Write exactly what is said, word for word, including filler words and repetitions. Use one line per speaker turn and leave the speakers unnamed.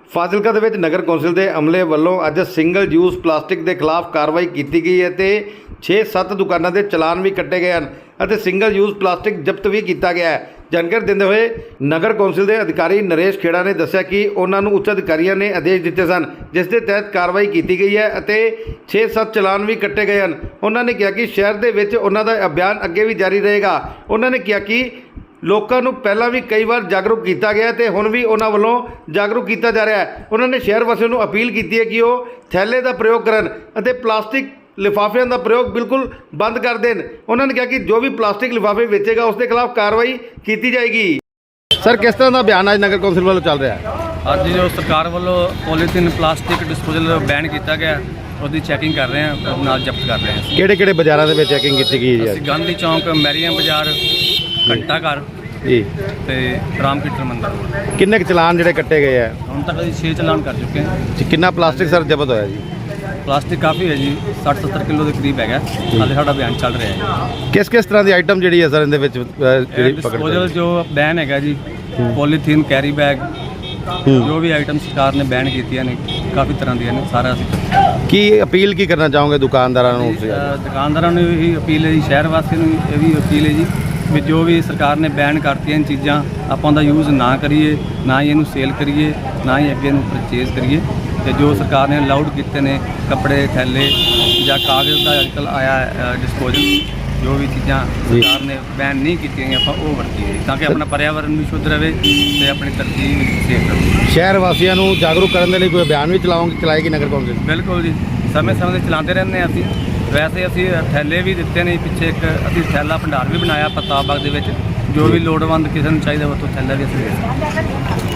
ਫਾਜ਼ਿਲਕਾ ਦੇ ਵਿੱਚ ਨਗਰ ਕੌਂਸਲ ਦੇ ਅਮਲੇ ਵੱਲੋਂ ਅੱਜ ਸਿੰਗਲ ਯੂਜ਼ ਪਲਾਸਟਿਕ ਦੇ ਖਿਲਾਫ ਕਾਰਵਾਈ ਕੀਤੀ ਗਈ ਹੈ ਤੇ ਛੇ ਸੱਤ ਦੁਕਾਨਾਂ ਦੇ ਚਲਾਨ ਵੀ ਕੱਟੇ ਗਏ ਹਨ ਅਤੇ ਸਿੰਗਲ ਯੂਜ਼ ਪਲਾਸਟਿਕ ਜ਼ਬਤ ਵੀ ਕੀਤਾ ਗਿਆ ਹੈ। ਜਾਣਕਾਰੀ ਦਿੰਦੇ ਹੋਏ ਨਗਰ ਕੌਂਸਲ ਦੇ ਅਧਿਕਾਰੀ ਨਰੇਸ਼ ਖੇੜਾ ਨੇ ਦੱਸਿਆ ਕਿ ਉਹਨਾਂ ਨੂੰ ਉੱਚ ਅਧਿਕਾਰੀਆਂ ਨੇ ਆਦੇਸ਼ ਦਿੱਤੇ ਸਨ ਜਿਸ ਦੇ ਤਹਿਤ ਕਾਰਵਾਈ ਕੀਤੀ ਗਈ ਹੈ ਅਤੇ ਛੇ ਸੱਤ ਚਲਾਨ ਵੀ ਕੱਟੇ ਗਏ ਹਨ। ਉਹਨਾਂ ਨੇ ਕਿਹਾ ਕਿ ਸ਼ਹਿਰ ਦੇ ਵਿੱਚ ਉਹਨਾਂ ਦਾ ਅਭਿਆਨ ਅੱਗੇ ਵੀ ਜਾਰੀ ਰਹੇਗਾ। ਉਹਨਾਂ ਨੇ ਕਿਹਾ ਕਿ ਲੋਕਾਂ ਨੂੰ ਪਹਿਲਾਂ ਵੀ ਕਈ ਵਾਰ ਜਾਗਰੂਕ ਕੀਤਾ ਗਿਆ ਤੇ ਹੁਣ ਵੀ ਉਹਨਾਂ ਵੱਲੋਂ ਜਾਗਰੂਕ ਕੀਤਾ ਜਾ ਰਿਹਾ ਹੈ। ਉਹਨਾਂ ਨੇ ਸ਼ਹਿਰ ਵਾਸੀਆਂ ਨੂੰ ਅਪੀਲ ਕੀਤੀ ਹੈ ਕਿ ਉਹ ਥੈਲੇ ਦਾ ਪ੍ਰਯੋਗ ਕਰਨ ਅਤੇ ਪਲਾਸਟਿਕ ਲਿਫਾਫਿਆਂ ਦਾ ਪ੍ਰਯੋਗ ਬਿਲਕੁਲ ਬੰਦ ਕਰ ਦੇਣ। ਉਹਨਾਂ ਨੇ ਕਿਹਾ ਕਿ ਜੋ ਵੀ ਪਲਾਸਟਿਕ ਲਿਫਾਫੇ ਵੇਚੇਗਾ ਉਸ ਦੇ ਖਿਲਾਫ ਕਾਰਵਾਈ ਕੀਤੀ ਜਾਏਗੀ। ਸਰ, ਕਿਸ ਤਰ੍ਹਾਂ ਦਾ ਬਿਆਨ ਅੱਜ ਨਗਰ ਕੌਂਸਲ ਵੱਲੋਂ ਚੱਲ ਰਿਹਾ ਹੈ?
ਅੱਜ ਜੋ ਸਰਕਾਰ ਵੱਲੋਂ ਪੋਲੀਥੀਨ ਪਲਾਸਟਿਕ ਡਿਸਪੋਜ਼ਲ ਬੈਨ ਕੀਤਾ ਗਿਆ ਉਹਦੀ ਚੈਕਿੰਗ ਕਰ ਰਹੇ ਹਾਂ, ਨਾਲ ਜ਼ਬਤ ਕਰ ਰਹੇ ਹਾਂ।
ਕਿਹੜੇ ਕਿਹੜੇ ਬਾਜ਼ਾਰਾਂ ਦੇ ਵਿੱਚ ਚੈਕਿੰਗ ਕੀਤੀ ਗਈ ਹੈ?
ਅਸੀਂ ਗਾਂਧੀ ਚੌਂਕ, ਮੈਰੀਆਂ ਬਾਜ਼ਾਰ, ਘੰਟਾ ਘਰ
ਜੀ ਤੇ
ਰਾਮ ਕੀਰਤਨ ਮੰਦਰ।
ਕਿੰਨੇ ਕੁ ਚਲਾਨ ਜਿਹੜੇ ਕੱਟੇ ਗਏ ਆ?
ਹੁਣ ਤੱਕ ਅਸੀਂ ਛੇ ਚਲਾਨ ਕਰ ਚੁੱਕੇ ਹਾਂ
ਜੀ। ਕਿੰਨਾ ਪਲਾਸਟਿਕ ਸਰ ਜ਼ਬਤ ਹੋਇਆ ਜੀ?
ਪਲਾਸਟਿਕ ਕਾਫੀ ਹੈ ਜੀ, ਸੱਠ ਸੱਤਰ ਕਿਲੋ ਦੇ ਕਰੀਬ ਹੈਗਾ। ਹਾਲੇ ਸਾਡਾ ਬਿਆਨ ਚੱਲ ਰਿਹਾ ਹੈ।
ਕਿਸ ਕਿਸ ਤਰ੍ਹਾਂ ਦੀ ਆਈਟਮ ਜਿਹੜੀ ਹੈ ਸਰ ਇਹਦੇ ਵਿੱਚ ਜਿਹੜੀ
ਡਿਸਪੋਜ਼ਲ ਜੋ ਬੈਨ ਹੈਗਾ ਜੀ, ਪੋਲੀਥੀਨ, ਕੈਰੀ ਬੈਗ, ਜੋ ਵੀ ਆਈਟਮ ਸਰਕਾਰ ਨੇ ਬੈਨ ਕੀਤੀਆਂ ਨੇ ਕਾਫੀ ਤਰ੍ਹਾਂ ਦੀਆਂ ਨੇ, ਸਾਰਾ ਅਸੀਂ
ਕੀ ਅਪੀਲ ਕੀ ਕਰਨਾ ਚਾਹੋਗੇ ਦੁਕਾਨਦਾਰਾਂ ਨੂੰ?
ਦੁਕਾਨਦਾਰਾਂ ਨੂੰ ਇਹੀ ਅਪੀਲ ਹੈ ਜੀ, ਸ਼ਹਿਰ ਵਾਸੀਆਂ ਨੂੰ ਇਹ ਵੀ ਅਪੀਲ ਹੈ ਜੀ ਵੀ ਜੋ ਵੀ ਸਰਕਾਰ ਨੇ ਬੈਨ ਕਰਤੀਆਂ ਇਹ ਚੀਜ਼ਾਂ ਆਪਾਂ ਉਹਦਾ ਯੂਜ਼ ਨਾ ਕਰੀਏ, ਨਾ ਹੀ ਇਹਨੂੰ ਸੇਲ ਕਰੀਏ, ਨਾ ਹੀ ਅੱਗੇ ਨੂੰ ਪਰਚੇਜ਼ ਕਰੀਏ। ਤੇ ਜੋ ਸਰਕਾਰ ਨੇ ਅਲਾਉਡ ਕੀਤੇ ਨੇ ਕੱਪੜੇ, ਥੈਲੇ ਜਾਂ ਕਾਗਜ਼ ਦਾ ਅੱਜਕੱਲ੍ਹ ਆਇਆ ਡਿਸਪੋਜ਼ਲ, ਜੋ ਵੀ ਚੀਜ਼ਾਂ ਸਰਕਾਰ ਨੇ ਬੈਨ ਨਹੀਂ ਕੀਤੀਆਂ ਆਪਾਂ ਉਹ ਵਰਤੀਏ ਤਾਂ ਕਿ ਆਪਣਾ ਪਰਿਆਵਰਨ ਵੀ ਸ਼ੁੱਧ ਰਹੇ ਤੇ ਆਪਣੀ ਧਰਤੀ ਵੀ ਸੇਫ ਰਹੇ।
ਸ਼ਹਿਰ ਵਾਸੀਆਂ ਨੂੰ ਜਾਗਰੂਕ ਕਰਨ ਦੇ ਲਈ ਕੋਈ ਅਭਿਆਨ ਵੀ ਚਲਾਉਂਗੇ ਚਲਾਏਗੀ ਨਗਰ ਕੌਂਸਲ?
ਬਿਲਕੁਲ ਜੀ, ਸਮੇਂ ਸਮੇਂ 'ਤੇ ਚਲਾਉਂਦੇ ਰਹਿੰਦੇ ਹਾਂ ਅਸੀਂ। ਵੈਸੇ ਅਸੀਂ ਥੈਲੇ ਵੀ ਦਿੱਤੇ ਨੇ, ਪਿੱਛੇ ਇੱਕ ਅਸੀਂ ਥੈਲਾ ਭੰਡਾਰ ਵੀ ਬਣਾਇਆ ਪ੍ਰਤਾਪ ਬਾਗ ਦੇ ਵਿੱਚ, ਜੋ ਵੀ ਲੋੜਵੰਦ ਕਿਸੇ ਨੂੰ ਚਾਹੀਦਾ ਉਹ ਤੋਂ ਥੈਲਾ ਵੀ ਅਸੀਂ ਦੇ ਸਕਦੇ।